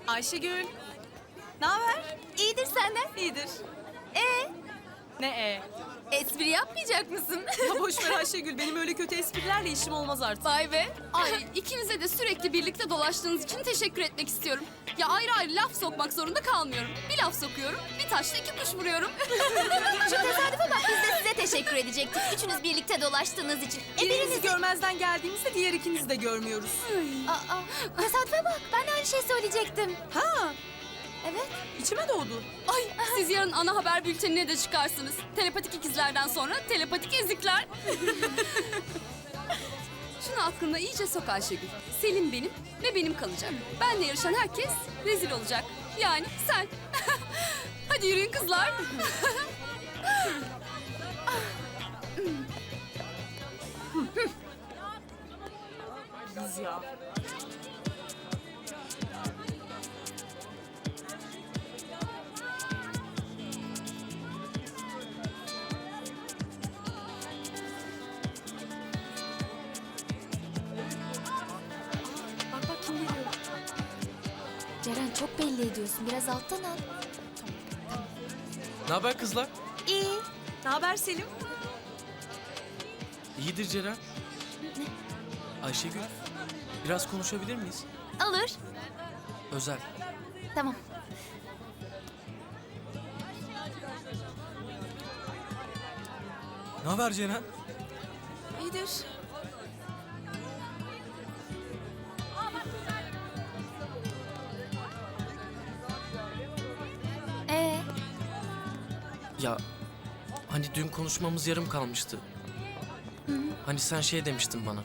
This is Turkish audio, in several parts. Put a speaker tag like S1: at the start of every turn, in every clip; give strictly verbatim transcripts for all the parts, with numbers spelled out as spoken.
S1: Ayşegül. Ne haber?
S2: İyidir senden.
S1: İyidir.
S2: Ee,
S1: Ne e?
S2: espri yapmayacak mısın?
S1: Ya boş ver Ayşegül. Benim öyle kötü esprilerle işim olmaz artık.
S2: Vay be. Ay ikinize de sürekli birlikte dolaştığınız için teşekkür etmek istiyorum. Ya ayrı ayrı laf sokmak zorunda kalmıyorum. Bir laf sokuyorum, bir taşla iki kuş vuruyorum. Şu tesadüfe bak, biz de size teşekkür edecektik. Üçünüz birlikte dolaştığınız için. E
S1: Birinizi görmezden geldiğimizde diğer ikinizi de görmüyoruz.
S2: Aa, tesadüfe bak, ben de aynı şey söyleyecektim.
S1: Ha,
S2: Evet.
S1: içime doğdu.
S2: Ay, siz yarın ana haber bültenine de çıkarsınız. Telepatik ikizlerden sonra telepatik ezikler. Şunu aklına iyice sok Ayşegül. Selim benim ve benim kalacak. Benle yarışan herkes rezil olacak. Yani sen. Hadi yürüyün kızlar.
S1: Biz ya.
S2: Bak bak kim geliyor. Ceren çok belli ediyorsun. Biraz alttan al.
S3: Ne haber kızlar?
S2: İyi.
S1: Ne haber Selim?
S3: İyidir Ceren. Ayşegül, biraz konuşabilir miyiz?
S2: Alır.
S3: Özel.
S2: Tamam.
S3: Ne haber Ceren?
S1: İyidir.
S2: Ee,
S3: Ya hani dün konuşmamız yarım kalmıştı. Hani sen şey demiştin bana.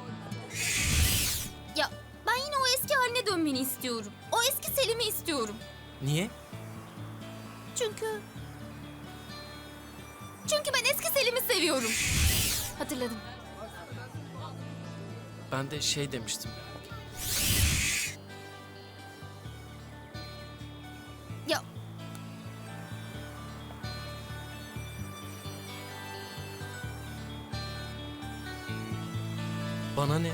S2: ya ben yine o eski haline dönmeni istiyorum. O eski Selim'i istiyorum.
S3: Niye?
S2: Çünkü... Çünkü ben eski Selim'i seviyorum. Hatırladım.
S3: Ben de şey demiştim.
S2: Ya
S3: Bana ne?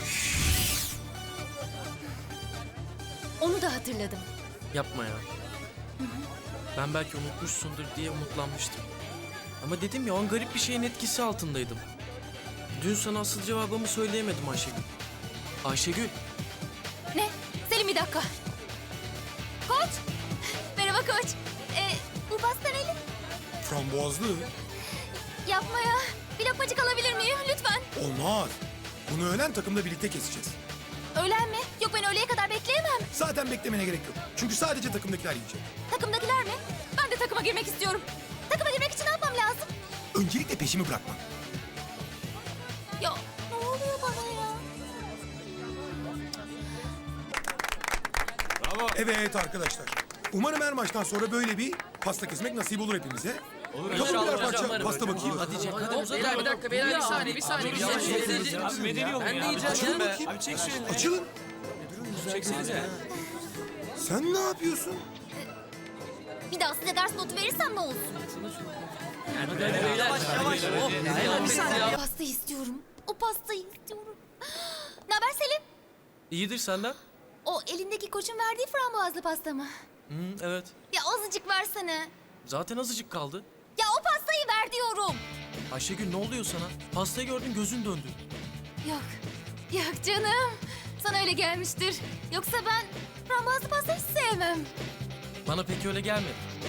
S2: onu da hatırladım.
S3: Yapma ya. Ben belki unutmuşsundur diye umutlanmıştım. Ama dedim ya, o an garip bir şeyin etkisi altındaydım. Dün sana asıl cevabımı söyleyemedim Ayşegül. Ayşegül,
S2: Ne? Selim bir dakika. Koç. Merhaba koç. Ee, bu pasta neli?
S4: Frambuazlı.
S2: Yapma ya. Bir lokmacık alabilir miyim lütfen?
S4: Olmaz. Bunu öğlen takımda birlikte keseceğiz.
S2: Öğlen mi? Yok ben öğleye kadar bekleyemem.
S4: Zaten beklemene gerek yok. Çünkü sadece takımdakiler yiyecek.
S2: Takımdakiler mi? Ben de takıma girmek istiyorum. Takıma girmek için ne yapmam lazım?
S4: Öncelikle peşimi bırakma.
S2: Ya ne oluyor bana ya?
S4: Evet arkadaşlar. Umarım her maçtan sonra böyle bir pasta kesmek nasip olur hepimize. Olur. Kapın birer parça pasta bakayım.
S3: hadi Cenk, hadi uzat.
S5: Beyler bir dakika beyler bir saniye bir saniye bir saniye.
S6: Abi medeni olun
S5: Ben de
S6: ya.
S5: yiyeceğim
S4: Açılın
S5: ya.
S4: bakayım.
S6: Abi çek şu elini.
S4: Açılın.
S6: Çeksenize.
S4: Sen ne yapıyorsun?
S2: Bir daha size ders notu verirsem ne olsun?
S5: Beyler yavaş yavaş. Oh, bir saniye.
S2: Pastayı istiyorum. O pastayı istiyorum. Ne haber Selim?
S3: İyidir senden?
S2: O elindeki koçun verdiği frambuazlı pasta mı?
S3: Hı, evet.
S2: Ya azıcık versene.
S3: Zaten azıcık kaldı.
S2: Ya o pastayı ver diyorum.
S3: Ayşegül, ne oluyor sana? Pastayı gördün, gözün döndü.
S2: Yok. Yok canım. Sana öyle gelmiştir. Yoksa ben frambuazlı pasta hiç sevmem.
S3: Bana pek öyle gelmedi.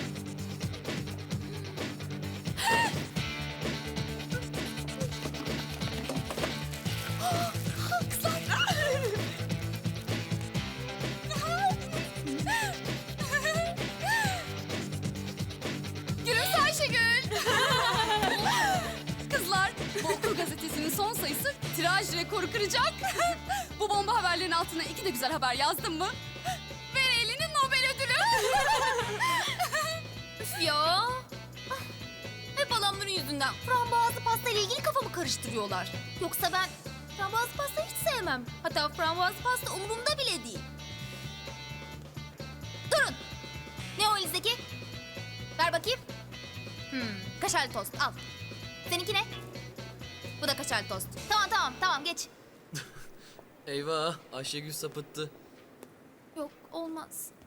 S2: Gülümse Ayşegül. Kızlar, bu okul gazetesinin son sayısı tiraj rekoru kıracak. Bu bomba haberlerin altına iki de güzel haber yazdım mı? Ver elini Nobel ödülü. Üf ya. Hep adamların yüzünden frambuazlı pasta ile ilgili kafamı karıştırıyorlar. Yoksa ben frambuazlı pasta hiç sevmem. Hatta frambuazlı pasta umurumda bile değil. Durun. Ne o elinizdeki? Ver bakayım. Hmm, kaşarlı tost al. Seninki ne? Bu da kaşarlı tost. Tamam tamam tamam geç.
S5: Eyvah Ayşegül sapıttı.
S2: Yok olmaz.